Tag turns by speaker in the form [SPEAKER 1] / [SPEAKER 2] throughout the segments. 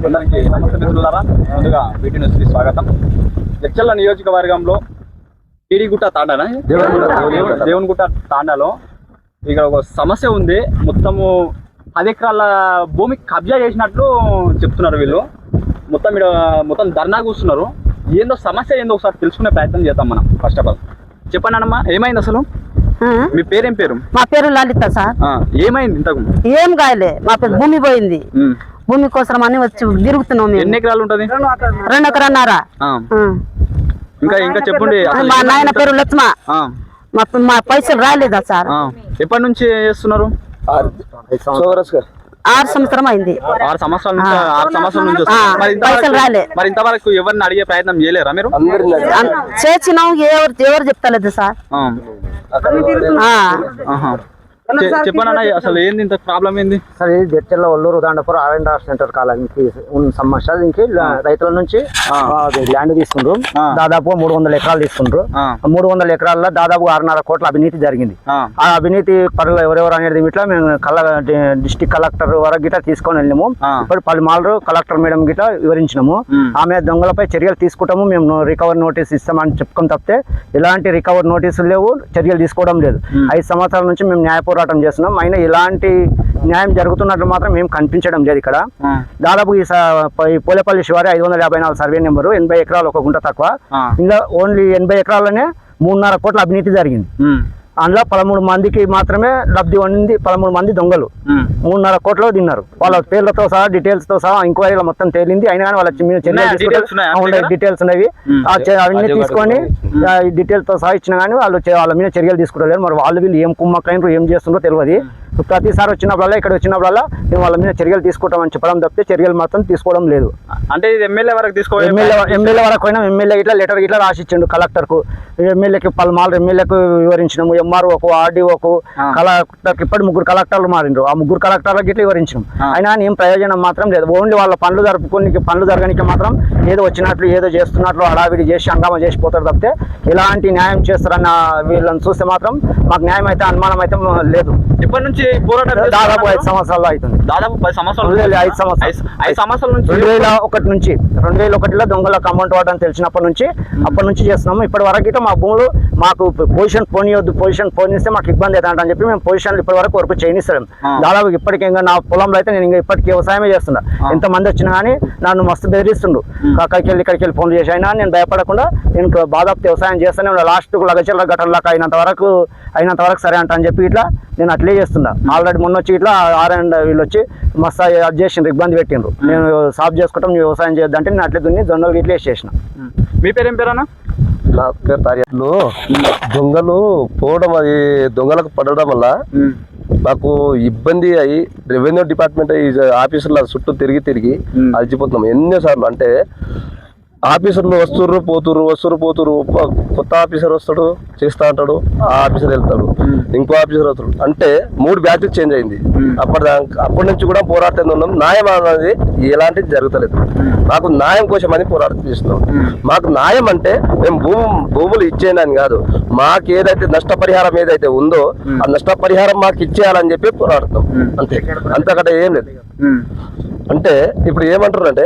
[SPEAKER 1] అందరికీ నమస్తే మిత్రులారా. ముందుగా వీటి న్యూస్కి స్వాగతం. జడ్చర్ల నియోజకవర్గంలో టీడీగుట్ట తాండానా దేవునిగుట్ట తాండాలో ఇక్కడ ఒక సమస్య ఉంది. మొత్తము 10 ఎకరాల భూమి కబ్జా చేసినట్లు చెప్తున్నారు వీళ్ళు. మొత్తం ధర్నా కూర్చున్నారు. ఏందో సమస్య ఏందో ఒకసారి తెలుసుకునే ప్రయత్నం చేద్దాం మనం. ఫస్ట్ ఆఫ్ ఆల్ చెప్పండి అన్నమ్మా, ఏమైంది అసలు? మీ పేరేం పేరు?
[SPEAKER 2] మా పేరు లలిత సార్.
[SPEAKER 1] ఏమైంది? ఇంతకు
[SPEAKER 2] ఏం కాయలే, మా పేరు భూమి పోయింది. భూమి కోసం అని వచ్చి తిరుగుతున్నాం.
[SPEAKER 1] ఎన్ని ఎకరాలు ఉంటది?
[SPEAKER 2] 2 ఎకరాన్నర.
[SPEAKER 1] ఇంకా చెప్పండి.
[SPEAKER 2] మా నాయన పేరు లక్ష్మ. మా పైసలు రాలేదా సార్?
[SPEAKER 1] ఎప్పటి నుంచి చేస్తున్నారు?
[SPEAKER 2] 6 సంవత్సరం అయింది.
[SPEAKER 1] 6 సంవత్సరాల నుంచి. 6 సంవత్సరాల నుంచి
[SPEAKER 2] పైసలు రాలే.
[SPEAKER 1] మరి ఇంతవరకు ఎవరిని అడిగే ప్రయత్నం చేయలేరా మీరు?
[SPEAKER 2] చేసినాం, ఎవరు చెప్తలేదు సార్.
[SPEAKER 1] చెప్పండి అసలు ఏంది ఇంత ప్రాబ్లం ఏంది?
[SPEAKER 3] సార్ ఇది జడ్చర్ల ఒల్లూరు దాండపురం R&R సెంటర్ కాలానికి ఉన్న సమస్య. దీనికి రైతుల నుంచి ల్యాండ్ తీసుకుండ్రు. దాదాపు 300 ఎకరాలు తీసుకుండ్రు. 300 ఎకరాల్లో దాదాపు 6.5 కోట్ల అవినీతి జరిగింది. ఆ అవినీతి పరులు ఎవరెవరు అనేది ఇట్లా మేము డిస్ట్రిక్ట్ కలెక్టర్ వరకు గిట్లా తీసుకొని వెళ్ళినాము. ఇప్పుడు పలుమార్లు కలెక్టర్ మేడం గిట్లా వివరించినాము. ఆమె దొంగలపై చర్యలు తీసుకుంటాము, మేము రికవరీ నోటీస్ ఇస్తామని చెప్పుకొని తప్పితే ఎలాంటి రికవరీ నోటీసులు లేవు, చర్యలు తీసుకోవడం లేదు. 5 సంవత్సరాల నుంచి మేము న్యాయ పోరాటం చేస్తున్నాం. అయినా ఇలాంటి న్యాయం జరుగుతున్నట్లు మాత్రం మేము కనిపించడం లేదు. ఇక్కడ దాదాపు ఈ పోలేపల్లి శివారి 554 సర్వే నెంబరు, 80 ఎకరాలు, 1 గుంట తక్కువ. ఇంకా ఓన్లీ 80 ఎకరాలనే 3.5 కోట్ల అవినీతి జరిగింది. అందులో 13 మందికి మాత్రమే లబ్ధి పొందింది. 13 మంది దొంగలు 3.5 కోట్లు తిన్నారు. వాళ్ళ పేర్లతో సహా డీటెయిల్స్ తో సహా ఎంక్వైరీలో మొత్తం తేలింది. అయినా కానీ వాళ్ళ డీటెయిల్స్ ఉన్నవి. అవన్నీ తీసుకొని డీటెయిల్స్ తో సహా ఇచ్చినా కానీ వాళ్ళ మీద చర్యలు తీసుకుంటలేరు. మరి వాళ్ళు వీళ్ళు ఏం కుమ్మక్కైనరు, ఏం చేస్తుందో తెలియదు. ప్రతిసారి వచ్చినప్పుడల్లా ఇక్కడ వచ్చినప్పుడల్లా మేము వాళ్ళ మీద చర్యలు తీసుకుంటామని చెప్పడం తప్పితే చర్యలు మాత్రం తీసుకోవడం లేదు.
[SPEAKER 1] అంటే ఇది ఎమ్మెల్యే వరకు
[SPEAKER 3] ఎమ్మెల్యే వరకు పోయినా ఎమ్మెల్యే ఇట్లా లెటర్ ఇట్లా రాసిచ్చిండు కలెక్టర్కు. ఎమ్మెల్యేకి పలుమార్లు ఎమ్మెల్యేకు వివరించినాము, MROకు, RDOకు, కలెక్టర్కి. ఇప్పటి 3 కలెక్టర్లు మారిండ్రు. ఆ 3 కలెక్టర్లకు ఇట్లా వివరించినాం. అయినా ఏం ప్రయోజనం మాత్రం లేదు. ఓన్లీ వాళ్ళ పనులు జరగడానికి మాత్రం ఏదో వచ్చినట్లు ఏదో చేస్తున్నట్లు హడావిడి చేసి హంగామా చేసిపోతారు తప్పితే ఎలాంటి న్యాయం చేస్తారన్న వీళ్ళని చూస్తే మాత్రం మాకు న్యాయం అయితే అనుమానం అయితే లేదు.
[SPEAKER 1] ఇప్పటి నుంచి
[SPEAKER 3] దాదాపు 5 సంవత్సరాలు అవుతుంది.
[SPEAKER 1] దాదాపు 10 సంవత్సరాలు.
[SPEAKER 3] 5 సంవత్సరాల నుంచి 2001లో దొంగలకు అమౌంట్ వాడని తెలిసినప్పటి నుంచి చేస్తున్నాము. ఇప్పటి వరకు మా భూములు మాకు పొజిషన్ పోనీయొద్దు, పొజిషన్ పోనిస్తే మాకు ఇబ్బంది అవుతుందని చెప్పి మేము పొజిషన్ ఇప్పటి వరకు చేయనిస్తాం. దాదాపు ఇప్పటికీ ఇంకా నా పొలంలో అయితే నేను ఇంకా ఇప్పటికీ వ్యవసాయమే చేస్తున్నా. ఎంతమంది వచ్చినా కానీ నన్ను మస్తు బెదిరిస్తుండు. ఇక్కడికి వెళ్ళి ఫోన్లు చేసి అయినా నేను భయపడకుండా నేను దాదాపు వ్యవసాయం చేస్తూనే లాస్ట్కు లగచర్ల గట్టర్లకు అయినంత వరకు సరే అంట అని చెప్పి ఇట్లా నేను అట్లే చేస్తున్నా. ఆల్రెడీ మొన్న వచ్చి ఇట్లా వీళ్ళు వచ్చి మస్తు అది చేసిండ్రు, ఇబ్బంది పెట్టిండ్రు. నేను సాఫ్ చేసుకుంటాం, నువ్వు వ్యవసాయం చేయొద్దంటే నేను అట్లే దున్ని జొన్నలు ఇట్లా చేసిన.
[SPEAKER 1] మీ పేరేం పేరన్నా?
[SPEAKER 4] నా పేరు తారియట్లు. దొంగలు పోవడం, అది దొంగలకు పడడం వల్ల మాకు ఇబ్బంది అయ్యి రెవెన్యూ డిపార్ట్మెంట్ ఆఫీసుల చుట్టూ తిరిగి అలసిపోతున్నాం ఎన్నోసార్లు. అంటే ఆఫీసర్లు వస్తుర్రు పోతురు. కొత్త ఆఫీసర్ వస్తాడు, చేస్తా అంటాడు, ఆ ఆఫీసర్ వెళ్తాడు, ఇంకో ఆఫీసర్ వస్తాడు. అంటే 3 బ్యాచెస్ చేంజ్ అయింది. అప్పటి నుంచి కూడా పోరాటం ఉన్నాం. న్యాయం అనేది ఎలాంటిది జరుగుతలేదు. మాకు న్యాయం కోసం అని పోరాటం చేస్తున్నాం. మాకు న్యాయం అంటే మేము భూములు ఇచ్చేయని కాదు, మాకు ఏదైతే నష్టపరిహారం ఏదైతే ఉందో ఆ నష్టపరిహారం మాకు ఇచ్చేయాలని చెప్పి పోరాడుతాం. అంతకంటే ఏం లేదు. అంటే ఇప్పుడు ఏమంటారు అంటే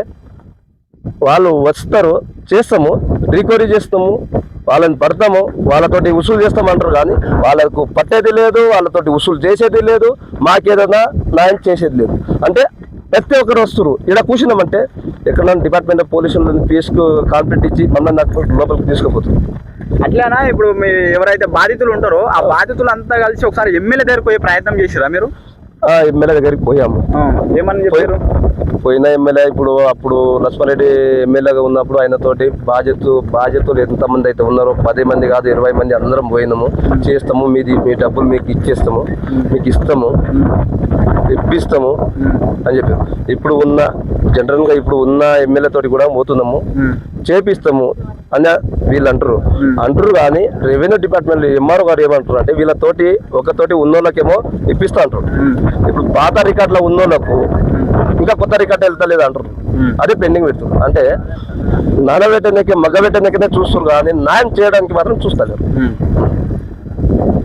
[SPEAKER 4] వాళ్ళు వస్తారు, చేస్తాము, రికవరీ చేస్తాము, వాళ్ళని పడతాము, వాళ్ళతోటి వసూలు చేస్తామంటారు. కానీ వాళ్ళకు పట్టేది లేదు, వాళ్ళతోటి వసూలు చేసేది లేదు, మాకేదైనా న్యాయం చేసేది లేదు. అంటే ప్రతి ఒక్కరు వస్తారు. ఇక్కడ కూర్చున్నామంటే ఎక్కడైనా డిపార్ట్మెంట్ ఆఫ్ పోలీసులను కాన్ఫిడెంట్ ఇచ్చి మమ్మల్ని లోపలికి తీసుకుపోతుంది.
[SPEAKER 1] అట్లానా? ఇప్పుడు మీ ఎవరైతే బాధితులు ఉంటారో ఆ బాధితులు అంతా కలిసి ఒకసారి ఎమ్మెల్యే దగ్గరికి పోయే ప్రయత్నం చేసిరా మీరు?
[SPEAKER 4] ఎమ్మెల్యే దగ్గరికి పోయాము.
[SPEAKER 1] ఏమని చెప్పారు?
[SPEAKER 4] పోయిన ఎమ్మెల్యే అప్పుడు లక్ష్మారెడ్డి ఎమ్మెల్యేగా ఉన్నప్పుడు ఆయనతోటి బాధ్యతలు ఎంతమంది అయితే ఉన్నారో 10 మంది కాదు 20 మంది అందరం పోయినాము. చేస్తాము, మీ డబ్బులు మీకు ఇచ్చేస్తాము, మీకు ఇస్తాము, ఇప్పిస్తాము అని చెప్పాము. ఇప్పుడు ఉన్న ఎమ్మెల్యే తోటి కూడా పోతున్నాము, చేపిస్తాము అని వీళ్ళు అంటారు. కానీ రెవెన్యూ డిపార్ట్మెంట్ MRO గారు ఏమంటారు అంటే వీళ్ళతోటి ఒకతోటి ఉన్నోళ్ళకేమో ఇప్పిస్తా అంటారు. ఇప్పుడు పాత రికార్డులో ఉన్నోళ్ళకు ఇంకా కొత్త రికార్డు వెళ్తలేదు అంటారు. అదే పెండింగ్ పెడుతుంది. అంటే నానబెట్టనికే మగ్గబెట్టనికనే చూస్తారు కానీ న్యాయం చేయడానికి మాత్రం చూస్తలేరు.